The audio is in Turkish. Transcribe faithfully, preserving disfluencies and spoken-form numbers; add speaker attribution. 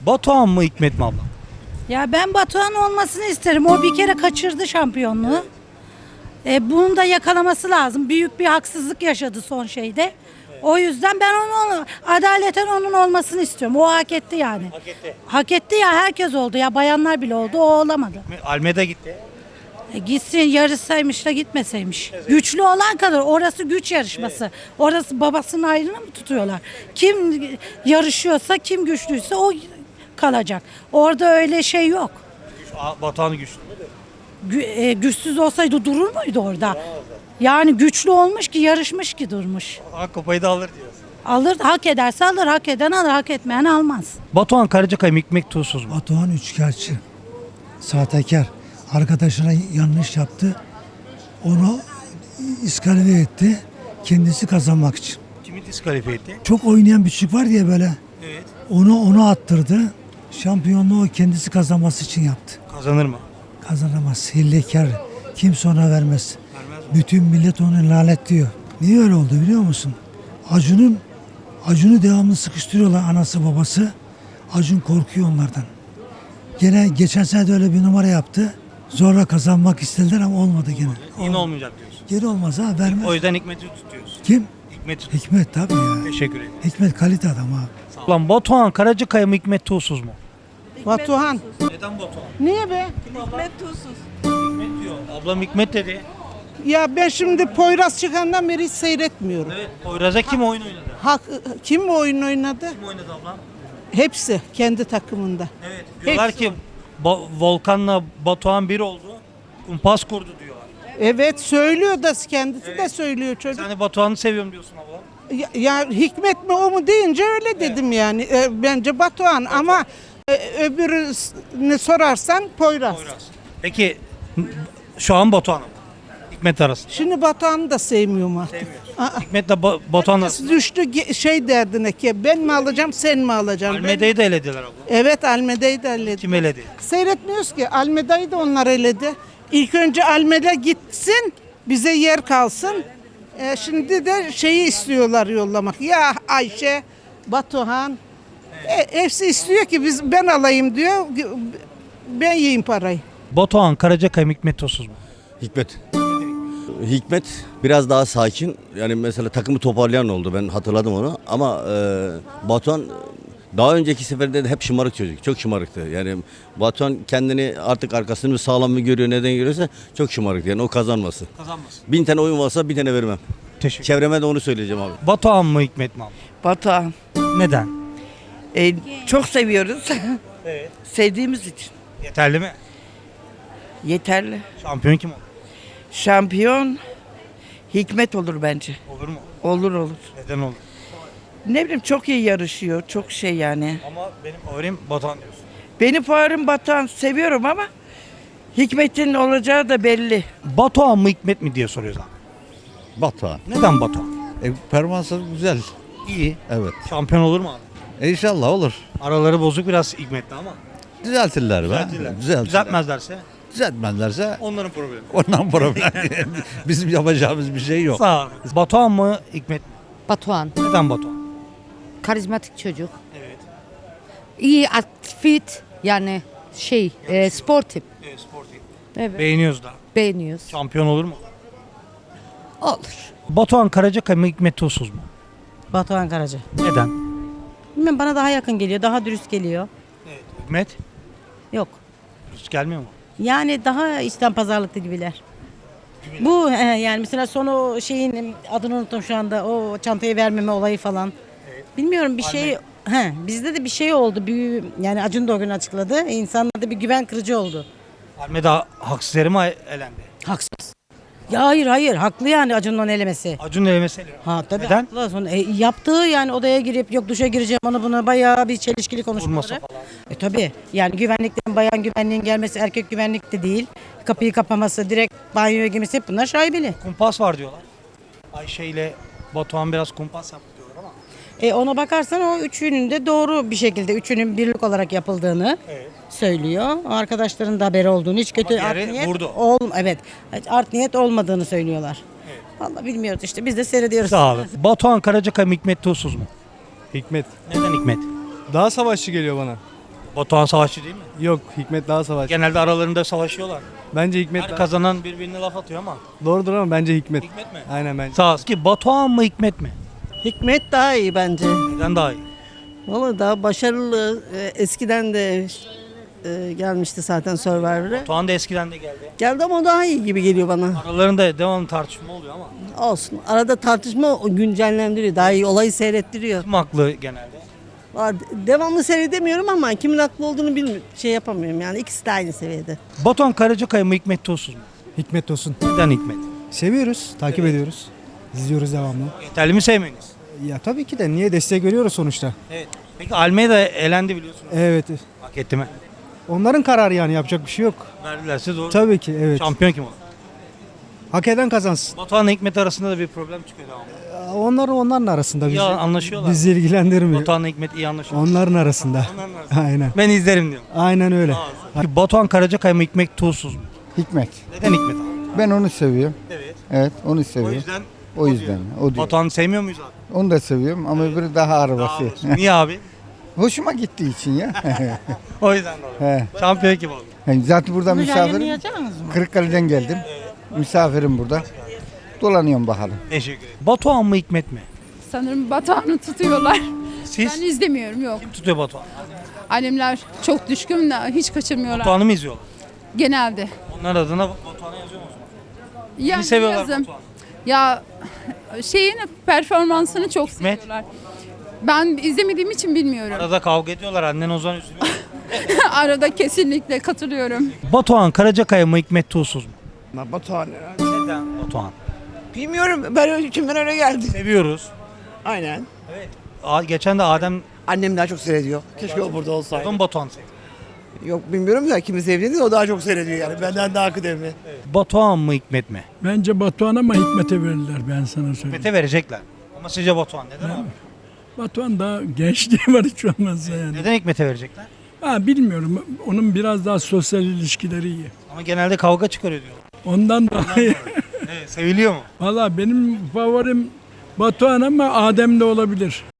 Speaker 1: Batuhan mı Hikmet mi abla?
Speaker 2: Ya ben Batuhan olmasını isterim. O bir kere kaçırdı şampiyonluğu. E, bunu da yakalaması lazım. Büyük bir haksızlık yaşadı son şeyde. O yüzden ben onun adaleten onun olmasını istiyorum. O hak etti yani.
Speaker 1: Hak etti.
Speaker 2: Hak etti ya, herkes oldu ya, bayanlar bile oldu, o olamadı.
Speaker 1: Almeda gitti.
Speaker 2: E, gitsin, yarışsaymış da gitmeseymiş. Güçlü olan kadar, orası güç yarışması. Orası babasının ayrını mı tutuyorlar? Kim yarışıyorsa, kim güçlüyse o kalacak. Orada öyle şey yok.
Speaker 1: Aa, Batuhan güçlü.
Speaker 2: Gü- e, güçsüz olsaydı durur muydu orada? Yani güçlü olmuş ki, yarışmış ki durmuş.
Speaker 1: Aa, kupayı da alır diyorsun.
Speaker 2: Alır, hak ederse alır, hak eden alır, hak etmeyen almaz.
Speaker 1: Batuhan Karacakaya mı Hikmet Tuğsuz mu?
Speaker 3: Batuhan üçkağıtçı, sahtekar. Arkadaşına yanlış yaptı. Onu iskalifiye etti. Kendisi kazanmak için.
Speaker 1: Kimi diskalifiye etti?
Speaker 3: Çok oynayan bir çocuk var diye böyle.
Speaker 1: Evet.
Speaker 3: Onu onu attırdı. Şampiyonluğu kendisi kazanması için yaptı.
Speaker 1: Kazanır mı?
Speaker 3: Kazanamaz. Hillekar. Kimse ona vermez.
Speaker 1: Vermez mi?
Speaker 3: Bütün millet onu lanetliyor. Niye öyle oldu biliyor musun? Acun'un Acun'u devamlı sıkıştırıyorlar, anası babası. Acun korkuyor onlardan. Gene geçen sene de öyle bir numara yaptı. Zorla kazanmak istediler ama olmadı gene.
Speaker 1: Yine olmayacak diyorsun.
Speaker 3: Geri olmaz ha, vermez.
Speaker 1: O yüzden Hikmet'i tutuyorsun.
Speaker 3: Kim?
Speaker 1: Hikmet.
Speaker 3: Hikmet tabii ya.
Speaker 1: Teşekkür ederim.
Speaker 3: Hikmet kalite adam abi.
Speaker 1: Lan Batuhan Karacakaya mı Hikmet Tuğsuz mu?
Speaker 4: Batuhan.
Speaker 1: Neden Batuhan?
Speaker 4: Niye be?
Speaker 1: Hikmet diyor. Ablam Hikmet dedi.
Speaker 4: Ya ben şimdi Poyraz çıkandan beri hiç seyretmiyorum.
Speaker 1: Evet. Poyraz'a kim oyun oynadı?
Speaker 4: Hak, kim mi oyun oynadı?
Speaker 1: Kim oynadı ablam?
Speaker 4: Hepsi kendi takımında.
Speaker 1: Evet. Diyorlar
Speaker 4: Hepsi.
Speaker 1: ki Ba- Volkan'la Batuhan bir oldu. Kumpas kurdu diyorlar.
Speaker 4: Evet söylüyor da kendisi de söylüyor çocuk.
Speaker 1: Sen de Batuhan'ı seviyorum diyorsun ablam.
Speaker 4: Ya, ya Hikmet mi o mu deyince öyle dedim yani. E, bence Batuhan ama e, öbürünü sorarsan Poyraz.
Speaker 1: Poyraz. Peki şu an Batuhan mı? Hikmet arasında.
Speaker 4: Şimdi Batuhan'ı da sevmiyorum artık. Aa,
Speaker 1: Hikmet'le ba- Batuhan arasında.
Speaker 4: düştü ge- şey derdine ki ben mi alacağım sen mi alacaksın? Ben-
Speaker 1: Almeda'yı da elediler abla.
Speaker 4: Evet Almeda'yı da eledi.
Speaker 1: Kim eledi?
Speaker 4: Seyretmiyoruz ki. Almeda'yı da onlar eledi. İlk önce Almeda gitsin, bize yer kalsın. Ee, şimdi de şeyi istiyorlar yollamak. Ya Ayşe, Batuhan, e, hepsi istiyor ki biz ben alayım diyor. Ben yiyeyim parayı.
Speaker 1: Batuhan Karacakaya mı Hikmet Tuğsuz mu?
Speaker 5: Hikmet. Hikmet biraz daha sakin. Yani mesela takımı toparlayan oldu. Ben hatırladım onu. Ama e, Batuhan daha önceki seferde de hep şımarık çocuk. Çok şımarıktı. Yani Batuhan kendini artık arkasını mı sağlam mı görüyor, neden görüyorsa çok şımarıktı. Yani o kazanması.
Speaker 1: Kazanmasın.
Speaker 5: Bin tane oyun varsa bir tane vermem.
Speaker 1: Teşekkür.
Speaker 5: Çevreme de onu söyleyeceğim abi.
Speaker 1: Batuhan mı Hikmet mi abla?
Speaker 6: Batuhan.
Speaker 1: Neden?
Speaker 6: E, çok seviyoruz.
Speaker 1: Evet.
Speaker 6: Sevdiğimiz için.
Speaker 1: Yeterli mi?
Speaker 6: Yeterli.
Speaker 1: Şampiyon kim olur?
Speaker 6: Şampiyon Hikmet olur bence.
Speaker 1: Olur mu?
Speaker 6: Olur olur.
Speaker 1: Neden olur?
Speaker 6: Ne bileyim çok iyi yarışıyor. Çok şey yani.
Speaker 1: Ama benim favorim Batuhan diyorsun.
Speaker 6: Benim favorim Batuhan, seviyorum ama Hikmet'in olacağı da belli.
Speaker 1: Batuhan mı Hikmet mi diye soruyoruz abi.
Speaker 7: Batuhan.
Speaker 1: Neden Batuhan?
Speaker 7: E, performansı güzel.
Speaker 1: İyi.
Speaker 7: Evet.
Speaker 1: Şampiyon olur mu abi?
Speaker 7: E, inşallah olur.
Speaker 1: Araları bozuk biraz Hikmet'le ama.
Speaker 7: Düzeltirler be.
Speaker 1: Düzeltirler.
Speaker 7: Düzeltirler.
Speaker 1: Düzeltmezlerse
Speaker 7: Düzeltmezlerse
Speaker 1: onların problemi.
Speaker 7: ondan problem. Bizim yapacağımız bir şey yok.
Speaker 1: Sağ ol. Batuhan mı Hikmet mi?
Speaker 8: Batuhan.
Speaker 1: Neden Batuhan?
Speaker 8: Karizmatik çocuk.
Speaker 1: Evet.
Speaker 8: İyi, fit, yani şey, e, sportif.
Speaker 1: Evet, sportif.
Speaker 8: Evet.
Speaker 1: Beğeniyoruz da.
Speaker 8: Beğeniyoruz.
Speaker 1: Şampiyon olur mu?
Speaker 8: Olur.
Speaker 1: Batuhan Karacakaya mı Hikmet Tuğsuz mu?
Speaker 2: Batuhan Karaca.
Speaker 1: Neden?
Speaker 2: Bilmiyorum, bana daha yakın geliyor, daha dürüst geliyor.
Speaker 1: Evet. Hikmet?
Speaker 2: Yok.
Speaker 1: Dürüst gelmiyor mu?
Speaker 2: Yani daha içten pazarlıklı gibiler. Bu he, yani mesela sonu şeyin adını unuttum şu anda, o çantayı vermeme olayı falan. Bilmiyorum bir şey he, bizde de bir şey oldu. Bir, yani Acun da o gün açıkladı. İnsanlarda bir güven kırıcı oldu.
Speaker 1: Almeda haksız yere mi elendi?
Speaker 2: Haksız. Ya hayır hayır haklı yani Acun'un onu elemesi.
Speaker 1: Acun'un elemesi elendi.
Speaker 2: Ha tabii
Speaker 1: Neden?
Speaker 2: haklı. Sonra, e, yaptığı yani odaya girip yok duşa gireceğim onu bunu bayağı bir çelişkili
Speaker 1: Vurması
Speaker 2: konuşmaları.
Speaker 1: falan.
Speaker 2: E tabii yani güvenliklerin bayan güvenliğin gelmesi erkek güvenlik de değil. Kapıyı kapaması, direkt banyoya girmesi, hep bunlar şaibeli.
Speaker 1: Kumpas var diyorlar. Ayşe ile Batuhan biraz kumpas yaptı diyorlar ama.
Speaker 2: E ona bakarsan o üçünün de doğru bir şekilde üçünün birlik olarak yapıldığını
Speaker 1: Evet.
Speaker 2: söylüyor. Arkadaşların da haberi olduğunu, hiç kötü
Speaker 1: Ama
Speaker 2: art
Speaker 1: diğeri
Speaker 2: niyet
Speaker 1: vurdu.
Speaker 2: ol evet. Art niyet olmadığını söylüyorlar. Vallahi bilmiyoruz işte, biz de seyrediyoruz.
Speaker 1: Sağ olun. Batuhan Karacakaya mı Hikmet Tuğsuz mu?
Speaker 9: Hikmet.
Speaker 1: Neden Hikmet?
Speaker 9: Daha savaşçı geliyor bana.
Speaker 1: Batuhan savaşçı değil mi?
Speaker 9: Yok, Hikmet daha savaş.
Speaker 1: Genelde aralarında savaşıyorlar.
Speaker 9: Bence Hikmet
Speaker 1: Her
Speaker 9: daha...
Speaker 1: kazanan birbirine laf atıyor ama.
Speaker 9: Doğrudur ama bence Hikmet.
Speaker 1: Hikmet mi?
Speaker 9: Aynen bence.
Speaker 1: Sağ ol. Ki Batuhan mı Hikmet mi?
Speaker 10: Hikmet daha iyi bence.
Speaker 1: Neden daha iyi?
Speaker 10: Valla daha başarılı. Ee, Eskiden de e, gelmişti zaten Survivor'a.
Speaker 1: Batuhan da eskiden de geldi.
Speaker 10: Geldi ama o daha iyi gibi geliyor bana.
Speaker 1: Aralarında devamlı tartışma oluyor ama.
Speaker 10: Olsun. Arada tartışma o güncellendiriyor. Daha iyi olayı seyrettiriyor.
Speaker 1: Kim haklı genelde?
Speaker 10: Valla devamlı seyredemiyorum ama kimin haklı olduğunu bilmiyorum. Şey yapamıyorum yani. İkisi de aynı seviyede.
Speaker 1: Batuhan Karacakaya mı Hikmet Tosuz mu?
Speaker 9: Hikmet olsun.
Speaker 1: Neden Hikmet?
Speaker 9: Seviyoruz, takip ediyoruz. İzliyoruz devamlı.
Speaker 1: Yeterli mi sevmeniz?
Speaker 9: Ya tabii ki de niye destek veriyoruz sonuçta.
Speaker 1: Evet. Peki Almeida elendi biliyorsunuz.
Speaker 9: Evet.
Speaker 1: Hak etti mi?
Speaker 9: Onların kararı yani yapacak bir şey yok.
Speaker 1: Verdilerse doğru.
Speaker 9: Tabii ki evet.
Speaker 1: Şampiyon kim olur?
Speaker 9: Hak eden kazansın.
Speaker 1: Batuhan'la Hikmet arasında da bir problem çıkıyor devamlı.
Speaker 9: Onlar onların arasında bizi,
Speaker 1: Ya anlaşıyorlar.
Speaker 9: bizi ilgilendirmiyor.
Speaker 1: Batuhan'la Hikmet iyi anlaşıyor.
Speaker 9: Onların arasında.
Speaker 1: Onların arasında.
Speaker 9: Aynen.
Speaker 1: Ben izlerim diyorum.
Speaker 9: Aynen öyle.
Speaker 1: Peki Batuhan Karacakaya mı Hikmet Tuğsuz mu?
Speaker 11: Hikmet.
Speaker 1: Neden Hikmet abi?
Speaker 11: Ben onu seviyorum.
Speaker 1: Evet.
Speaker 11: Evet, onu
Speaker 1: O
Speaker 11: seviyorum.
Speaker 1: yüzden
Speaker 11: O yüzden. O diyor.
Speaker 1: Batuhan'ı sevmiyor muyuz abi?
Speaker 11: Onu da seviyorum ama öbürü daha
Speaker 1: Daha
Speaker 11: arabası.
Speaker 1: olsun. Niye abi?
Speaker 11: Hoşuma gittiği için ya.
Speaker 1: O yüzden dolayı.
Speaker 11: He.
Speaker 1: Şampiyon kim oldu?
Speaker 11: Yani zaten burada misafirim.
Speaker 2: Yayınlayacağınız mı?
Speaker 11: Kırıkkale'den geldim. Misafirim burada. Dolanıyorum bakalım.
Speaker 1: Teşekkür ederim. Batuhan mı Hikmet mi?
Speaker 12: Sanırım Batuhan'ı tutuyorlar.
Speaker 1: Siz?
Speaker 12: Ben izlemiyorum yok.
Speaker 1: Kim tutuyor Batuhan?
Speaker 12: Annemler çok düşkün de hiç kaçırmıyorlar.
Speaker 1: Batuhan'ı mı izliyorlar?
Speaker 12: Genelde.
Speaker 1: Onlar adına Batuhan'a yazıyor mu o zaman?
Speaker 12: Yani
Speaker 1: Kimi seviyorlar
Speaker 12: yazın.
Speaker 1: Batuhan'ı?
Speaker 12: Ya şeyin performansını çok
Speaker 1: Hikmet.
Speaker 12: seviyorlar. Ben izlemediğim için bilmiyorum.
Speaker 1: Arada kavga ediyorlar. Annen o zaman üzülüyor.
Speaker 12: Arada kesinlikle katılıyorum.
Speaker 1: Batuhan Karacakaya mı Hikmet Tuğsuz mu?
Speaker 6: Batuhan.
Speaker 1: Neden Batuhan?
Speaker 6: Bilmiyorum ben içimden öyle geldi.
Speaker 1: Seviyoruz.
Speaker 6: Aynen.
Speaker 1: Aa, geçen de Adem
Speaker 6: Annem daha çok seyrediyor. Keşke o burada olsaydı.
Speaker 1: Batuhan Batuhan sevdi.
Speaker 6: Yok bilmiyorum da kimi sevdiğini o daha çok seyrediyor yani. Benden daha kıdemli.
Speaker 1: Batuhan mı Hikmet mi?
Speaker 3: Bence Batuhan ama Hikmet'e verirler ben sana söyleyeyim.
Speaker 1: Hikmet'e verecekler. Ama sizce Batuhan neden abi?
Speaker 3: Batuhan daha gençliği var hiç olmazsa yani.
Speaker 1: Neden Hikmet'e verecekler?
Speaker 3: Ha, bilmiyorum. Onun biraz daha sosyal ilişkileri iyi.
Speaker 1: Ama genelde kavga çıkarıyor diyorlar.
Speaker 3: Ondan dolayı.
Speaker 1: Evet, seviliyor mu?
Speaker 3: Valla benim favorim Batuhan ama Adem de olabilir.